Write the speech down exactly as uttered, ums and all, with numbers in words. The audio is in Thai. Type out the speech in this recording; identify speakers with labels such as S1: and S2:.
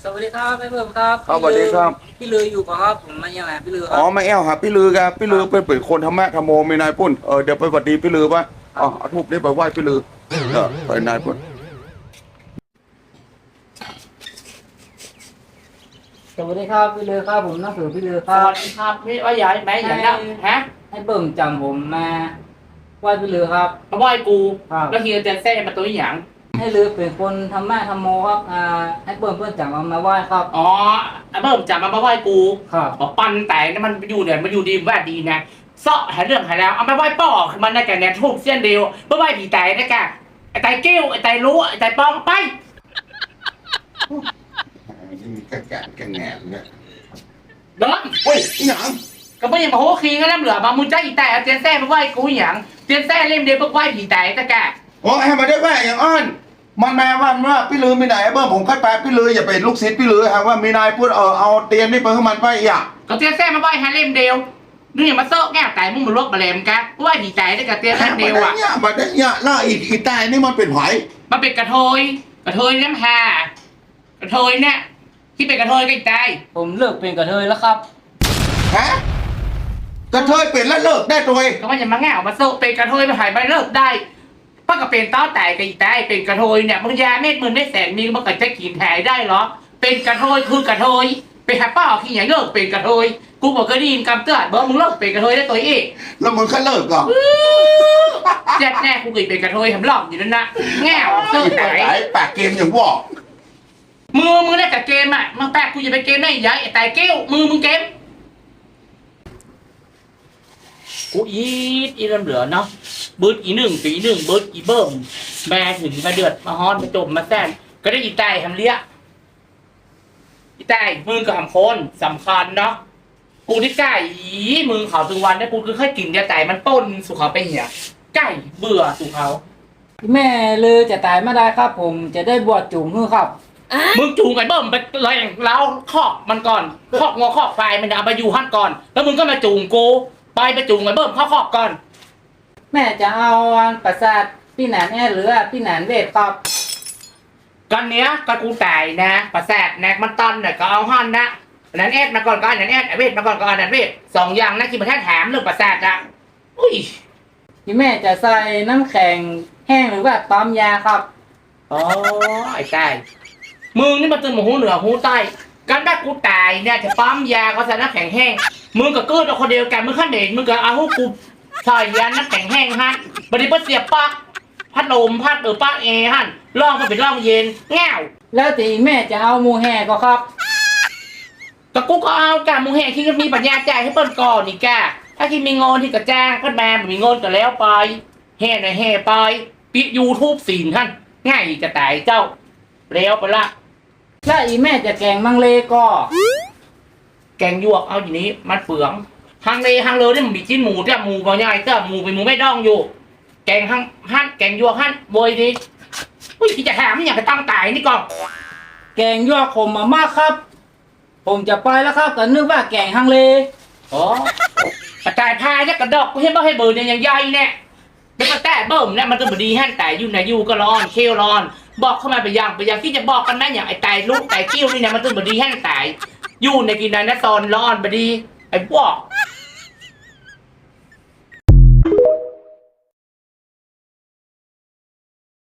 S1: สวัสดีครับพี่เพิ่มครับ
S2: ครับสวัสดีครับ
S1: พี่ลืออยู่ป่ะครับผมมายังไงพี่ลือครั
S2: อ๋อ
S1: บ
S2: ไม่แอวครับพี่ลือครับพี่ลือเป็นเป็นคนธรรมะธรรมโมมีนายพุ่นเออเดี๋ยวไปหวัดดีพี่ลือปะอ๋อเอาทูบนี้ไปไหว้พี่ลือเออไปนายพุ่น
S1: สวัสดีครับพี่ลือครับผมนักสือพี่ลือค
S3: ส
S1: รับ
S3: วัสดีครับพี่ว่าใหญ่ไหมอย่างนั้นฮะ
S1: ให้เบิ่มจำผมมาไหว้พี่ลือครับ
S3: มาไหว้กู
S1: ครับ
S3: แล้วเฮียจะแซ่มาตัวอย่าง
S1: ให้ลือเป็นคนธรรมะธรรมโมครับอ่าให้เบิ่มเพื่อนจำมามาไหว้ครับ
S3: อ๋อเบิ่มจับมามาไหว้กู
S1: ครับ
S3: บอกปันแต่นี่มันอยู่เนี่ยมันอยู่ดีแวดดีนะเสาะหาเรื่องหาแล้วเอามาไหว้ป่อมันได้แก่เนี่ยทุกเส้นเดียวเพื่อไหว้ผีแต่ได้แก่ไอ้ไตเกี้ยวไอ้ไตรู้ไอ้ไตปองไป
S2: นี่แกแกแกแงนเนี่ย
S3: เดิน
S2: เฮ้ยอีหยัง
S3: ก็ไม่ยังมาโหคีกันแล้วเหลือมามึงใจอีแต่เตียนแซ่มาไหว้กูอย่างเตียนแซ่เล่มเดียวเพื่อไหว้ผีแต่ได้แก่
S2: โอ้ให้มาได้แม่อย่างอ้อนมันแม่ว่าว่าพี่ลือมีไหนเบิ้มผมคัดแปลพี่ลืออย่าเป็นลูกศิษย์พี่ลือฮะว่ามีนายพูดเออเอาเตียนนี่ไปให้มันไปอย่า
S3: ก็เตียนแซ่มาไหว้ฮาเล่มเดียวนี่อย่ามาเซาะแก้แต่มึงมาลวกมาแหลมกันไหว้ผีแต่ได้กับเตียน
S2: แค่
S3: เล่ม
S2: มา
S3: เดียว
S2: ได้
S3: อ่ะ
S2: เนี่ยมาได้เนี่ยล่าอีกอีตายนี่มันเป็นไผ
S3: มันเป็นกระเทยกระเทยน้ำหากระเทยเนี่ยที่เป็นกระเทยใกล้
S1: ผมเลิกเป็นกระเทยแล้วครับ
S2: ฮะกระเทยเป็นแล้วเลิกได้ตัวเอง
S3: ๆก็มันอย่ามาแง่ออกมาโซะเป็นกระเทยมาหายไปเลิกได้ป้าก็เป็นเต้าแต่กับอีแต่เป็นกระเทยเนี่ยมึงยาเม็ดมึงได้แสนมีมันก็จะกินหายได้เหรอเป็นกระเทยคือกระเทยไปหาป้าเอาขี้อย่างเลิกเป็นกระเทยกูบอกเคยได้ยินคำเตือนบอกมึงเลิกเป็นกระเทยได้ตัวเอง
S2: แล้วมึงแค่เลิกก่อน
S3: แจ๊ดแน่กูเคยเป็นกระเทยทำหลอกอยู่นั่นนะแง่ออกเลิก
S2: ปา
S3: ไหน
S2: กไหนปากเกมอย่างบอก
S3: มือมึงได้แต่เกมอ่ะมึงแปลกกูจะไปเกมได้ยังไงไอ้แต่เกี้ยวมือมึงเกม กูอีดอีเริ่มเหลือเนาะบืดอีหนึ่งปีหนึ่งบืดอีเบิ่มแม่ถึงมาเดือดมาฮอนมาจมมาแซนก็ได้อีไตทำเลี้ยอีไตมึงกับหำคนสำคัญเนาะกูที่ไก่อีมึงเขาถึงวันได้กูคือแค่กินเดียวไตมันป้นสุเขาไปเหี่ยไก่เบื่อสุเขา
S1: แม่ลือจะตายไม่ได้ครับ ผมจะได้บวชจุ่มฮือครับ
S3: มึงจูงไอ้เบิ่มไปเลยแล้วคอกมันก่อนคอกงอคอกไฟมันเอาไปอยู่หั่นก่อน แล้วมึงก็มาจูงกูไปไปจูงไอ้เบิ่มเข้าคอกก่อน
S1: แม่จะเอาอันประสาทพี่หนานแอหรือว่าพี่หนานเวทครับ
S3: กันเนี้ยก็กูตายนะประแสดแนกมันตันเนี่ยก็เอาหั่นนะอันนั้นเอ็ดมาก่อนก็อันนั้นเอ็ดไอ้เวทมาก่อนก็อันนั้นเวทสองอย่างนะที่มาแท้ถามเรื่องประแสดอะอุ้ย
S1: พี่แม่จะใส่น้ำแข็งแห้งหรือว่าปั๊มยาครับ
S3: อ๋อไอ้ตายมึงนี่มาตื่นมาหูเหนือหูใต้กันได้กูตายเนี่ยจะปั๊มยาก็ใส่น้ำแข็งแห้งมึงกับเกิดเอาคนเดียวกันมึงขั้นเด่นมึงกับเอาหูกูใส่ยาน้ำแข็งแห้งฮะบัดนี้เพิ่นเสียบปลั๊กพัดลมพัดเออปลั๊กเอฮะล่องก็เป็นล่องเย็นแง่ว
S1: แล้วตีแม่จะเอาหมูแห่ก็ครับ
S3: แต่กูก็เอากะมึงแห่ที่มีปัญญาจ่ายให้เปิ้นก่อนนี่กะถ้าที่มีเงินที่กระจ้างเพิ่นมาบ่มีเงินก็แล้วไปแห่หน่อยแห่ไปปิดยูทูบสินท่านง่ายจะตายเจ้าแล้วไปละ
S1: แล้วอีแม่จะแกงมังเลก็
S3: แกงยวกเอาอย่างนี้มันเปลืองฮังเลฮังเลเนี่ยมันมีชิ้นหมูแต่หมูบ่ใหญ่แต่หมูเป็นหมูไม่ดองอยู่ แกงฮังหั่นแกงยวกหั่นโวยดีอุ้ยที่จะถามนี่อยากจะตั้งตายนี่ก่อน
S1: แกงยั่วขมมามากครับ ผมจะไปแล้วครับแต่นึกว่าแกงฮังเล
S3: อ๋อกระต่ายพายเนี่ยกระดอกกูเห็นบ่ให้เบอร์เนี่ยยังใหญ่เนี่ยเป็นกระแตเบิ่มเนี่ยมันก็บดีหั่นแต่อยู่ไหนอยู่ก็ร้อนเคี้ยวร้อน บอกเข้ามาไปยังไปยังที่จะบอกกันนะอย่างไอ้ไตลูกไตเกี้ยวนี่เนี่ยมันต้องบดีหั่นแต่อยู่ในกินนั้นนะตอนร้อนบดีไอ้พวก